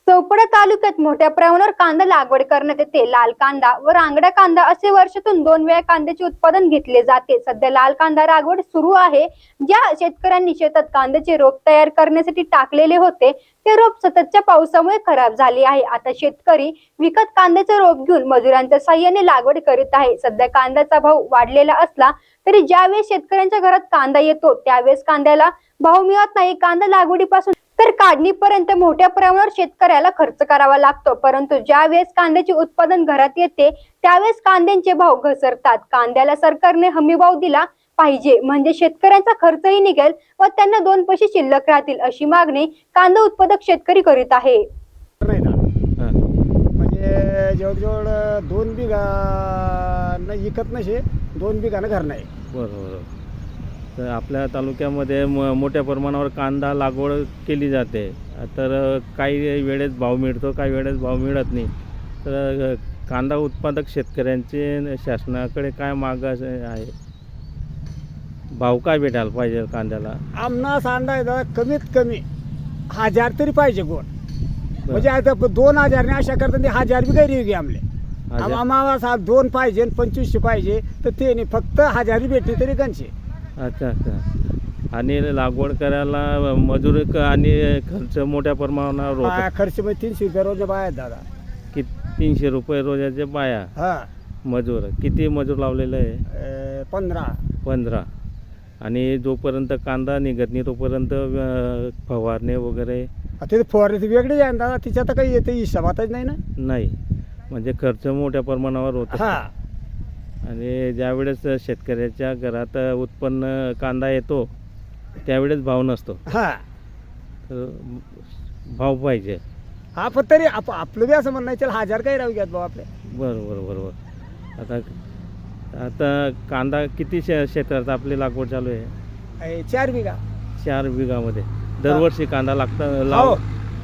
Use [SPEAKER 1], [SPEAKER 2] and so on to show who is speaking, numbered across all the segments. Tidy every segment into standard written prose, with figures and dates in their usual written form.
[SPEAKER 1] चोपडा तालुक्यात मोठ्या प्रमाणावर कांदा लागवड करण्यात येते. लाल कांदा व रांगडा कांदा असे वर्षातून 2 वेळा कांद्याचे उत्पादन घेतले जाते. सध्या लाल कांदा लागवड सुरू आहे. ज्या शेतकऱ्यांनी शेतात कांद्याचे रोप तयार करण्यासाठी टाकलेले होते ते रोप सततच्या पावसामुळे खराब झाले आहे. आता शेतकरी विकत कांद्याचे रोप घेऊन मजुरांच्या साहाय्याने लागवड करीत आहे. सध्या कांद्याचा भाव वाढलेला असला तरी ज्यावेळेस शेतकऱ्यांच्या घरात कांदा येतो त्यावेळेस कांद्याला भाव मिळत नाही. कांदा लागवडीपासून तर काढणीपर्यंत मोठ्या प्रमाणावर शेतकऱ्याला खर्च करावा लागतो. परंतु ज्या वेळेस कांद्याचे उत्पादन घरात येते त्यावेळेस कांद्यांचे भाव घसरतात. कांद्याला सरकारने हमी भाव दिला पाहिजे म्हणजे शेतकऱ्यांचा खर्चही निघेल व त्यांना 2 पैसे शिल्लक राहतील अशी मागणी कांदा उत्पादक शेतकरी करीत आहे.
[SPEAKER 2] नाही ना म्हणजे जवळजवळ 2 बिघा इकत नसे 2 बिघानं घर नाही.
[SPEAKER 3] बरोबर. तर आपल्या तालुक्यामध्ये मोठ्या प्रमाणावर कांदा लागवड केली जाते. तर काही वेळेस भाव मिळतो, काही वेळेस भाव मिळत नाही. तर कांदा उत्पादक शेतकऱ्यांचे शासनाकडे काय मागणी आहे? भाव काय भेटायला पाहिजे कांद्याला?
[SPEAKER 2] आमनास अंदाज कमीत कमी 1000 तरी पाहिजे गोड. म्हणजे आता 2000 अशा करता 1000 बी गैरी घे आमले. आम्हाला 2 पाहिजे 2500 पाहिजे तर ते नाही, फक्त 1000 भेटली तरी गणशे.
[SPEAKER 3] अच्छा अच्छा. आणि लागवड करायला मजूर आणि खर्च मोठ्या प्रमाणावर होतो.
[SPEAKER 2] खर्च म्हणजे 300 रुपये रोज बाया आहेत दादा.
[SPEAKER 3] की 300 रुपये रोजाचे बाया
[SPEAKER 2] हा
[SPEAKER 3] मजूर. किती मजूर लावलेलं आहे? 15. आणि जोपर्यंत कांदा निघत नाही तोपर्यंत फवारणे वगैरे
[SPEAKER 2] ते फवारणी वेगळी आहे दादा. तिच्यात तर काही येते हिशोबातच नाही ना.
[SPEAKER 3] नाही म्हणजे खर्च मोठ्या प्रमाणावर होतो.
[SPEAKER 2] हा
[SPEAKER 3] आणि ज्यावेळेस शेतकऱ्याच्या घरात उत्पन्न कांदा येतो त्यावेळेस भाव नसतो.
[SPEAKER 2] हा
[SPEAKER 3] तर भाव पाहिजे.
[SPEAKER 2] हा पण तरी आपलं बी असं म्हणणं चल 1000 काही राहू घ्यात भाऊ आपले.
[SPEAKER 3] बरोबर. आता कांदा किती क्षेत्रात आपली लागवड चालू आहे?
[SPEAKER 2] 4 बिघा.
[SPEAKER 3] 4 बिघामध्ये दरवर्षी कांदा
[SPEAKER 2] हो.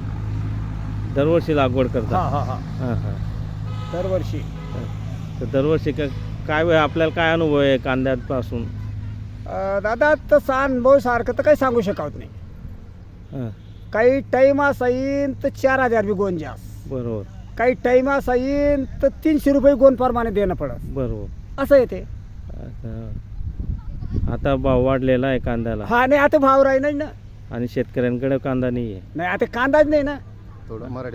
[SPEAKER 3] दरवर्षी लागवड करता?
[SPEAKER 2] हा
[SPEAKER 3] हां.
[SPEAKER 2] दरवर्षी.
[SPEAKER 3] तर दरवर्षी काय आपल्याला काय अनुभव आहे कांद्यापासून?
[SPEAKER 2] दादा तसा अनुभव सारखं तर काही सांगू शकत नाही.
[SPEAKER 3] हां.
[SPEAKER 2] काही टाईम असा येईन तर 4000 बी गोन जास्त.
[SPEAKER 3] बरोबर.
[SPEAKER 2] काही टाईम असा येईन तर 300 रुपये गोन प्रमाणे देणं पडत.
[SPEAKER 3] बरोबर.
[SPEAKER 2] असं येते.
[SPEAKER 3] आता भाव वाढलेला आहे कांद्याला.
[SPEAKER 2] हा नाही आता भाव राही नाही ना.
[SPEAKER 3] आणि शेतकऱ्यांकडे कांदा नाही आहे.
[SPEAKER 2] नाही आता कांदाच नाही ना.